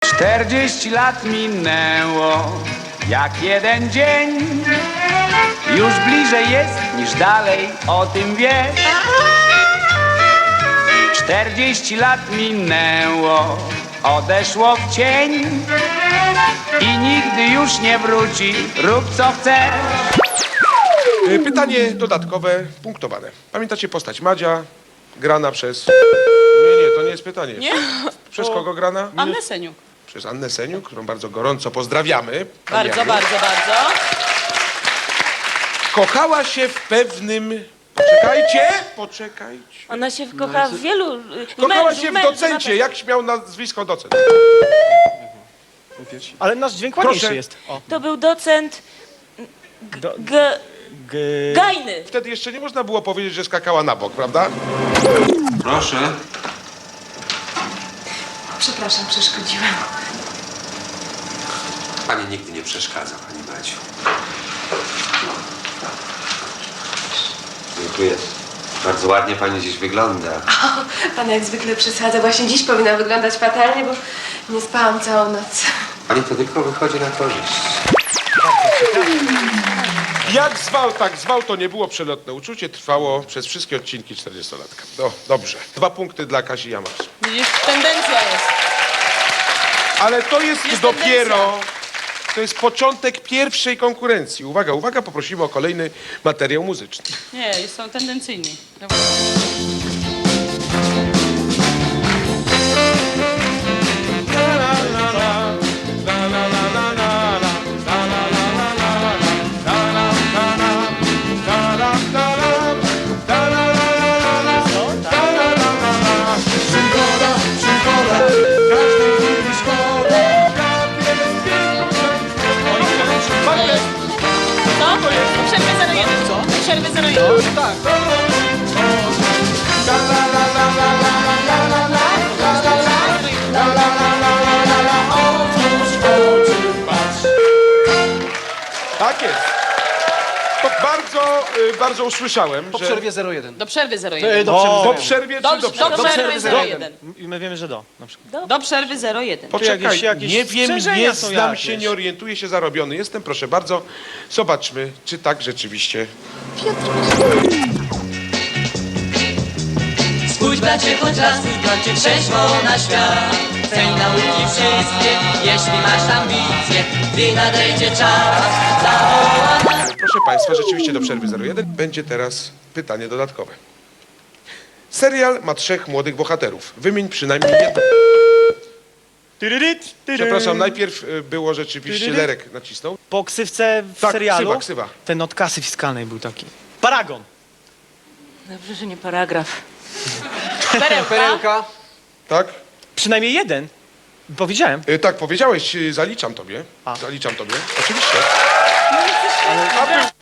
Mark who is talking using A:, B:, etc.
A: 40 lat minęło jak jeden dzień. Już bliżej jest niż dalej, o tym wiesz. 40 lat minęło, odeszło w cień i nigdy już nie wróci, rób co chcesz.
B: Pytanie dodatkowe, punktowane. Pamiętacie postać Madzia, grana przez... Nie, to nie jest pytanie.
C: Nie?
B: Przez kogo grana?
C: Annę Seniuk.
B: Przez Annę Seniuk, którą bardzo gorąco pozdrawiamy.
C: Bardzo, bardzo, bardzo.
B: Kochała się w pewnym... Poczekajcie.
D: Ona się kocha w wielu...
B: Kochała się w docencie. Jak śmiał nazwisko docent?
E: Ale nasz dźwięk ładniejszy
B: Proszę.
E: jest. O.
D: To był docent
E: Do,
D: Gajny.
B: Wtedy jeszcze nie można było powiedzieć, że skakała na bok, prawda?
F: Proszę.
G: Przepraszam, przeszkodziłam.
F: Pani nigdy nie przeszkadza, pani Maciu. Dziękuję. Bardzo ładnie pani dziś wygląda.
G: Pan jak zwykle przesadza. Właśnie dziś powinna wyglądać fatalnie, bo nie spałam całą noc.
F: Pani to tylko wychodzi na korzyść.
B: Jak zwał, tak zwał, to nie było przelotne uczucie. Trwało przez wszystkie odcinki 40-latka. Dobrze. 2 punkty dla Kasi Jamars.
C: Widzisz, tendencja jest.
B: Ale to jest
C: Jest
B: dopiero... To jest początek pierwszej konkurencji. Uwaga, uwaga, poprosimy o kolejny materiał muzyczny.
C: Nie, są tendencyjni. Co? Przerwy 01. Co? Przerwy 01.
B: Tak jest. To bardzo usłyszałem,
E: po
B: że...
E: przerwie 01.
C: Do przerwy 01.
B: Po przerwie czy do przerwy?
C: Do przerwy 01.
E: I my wiemy, że do. Na przykład.
C: Do przerwy 01.
B: Poczekaj,
E: jakieś
B: nie wiem,
E: strzeżenia
B: nie
E: są
B: znam
E: jakieś.
B: się, nie orientuję się, zarobiony jestem, proszę bardzo. Zobaczmy, czy tak rzeczywiście...
H: Spójrz bracie choć raz, trzeźwo na świat. Ceń nauki wszystkie, jeśli masz ambicje, gdy nadejdzie czas, zawoła nas.
B: Proszę Państwa, rzeczywiście do przerwy 01 będzie teraz pytanie dodatkowe. Serial ma 3 młodych bohaterów. Wymień przynajmniej jedno. Przepraszam, najpierw było rzeczywiście, Lerek nacisnął.
E: Po ksywce w
B: Tak,
E: serialu
B: ksywa.
E: ten od kasy fiskalnej był taki. Paragon.
D: Dobrze, że nie paragraf.
C: Perełka.
B: Tak?
E: Przynajmniej jeden. Powiedziałem.
B: Tak, powiedziałeś, zaliczam tobie.
E: A.
B: Zaliczam tobie, oczywiście. A był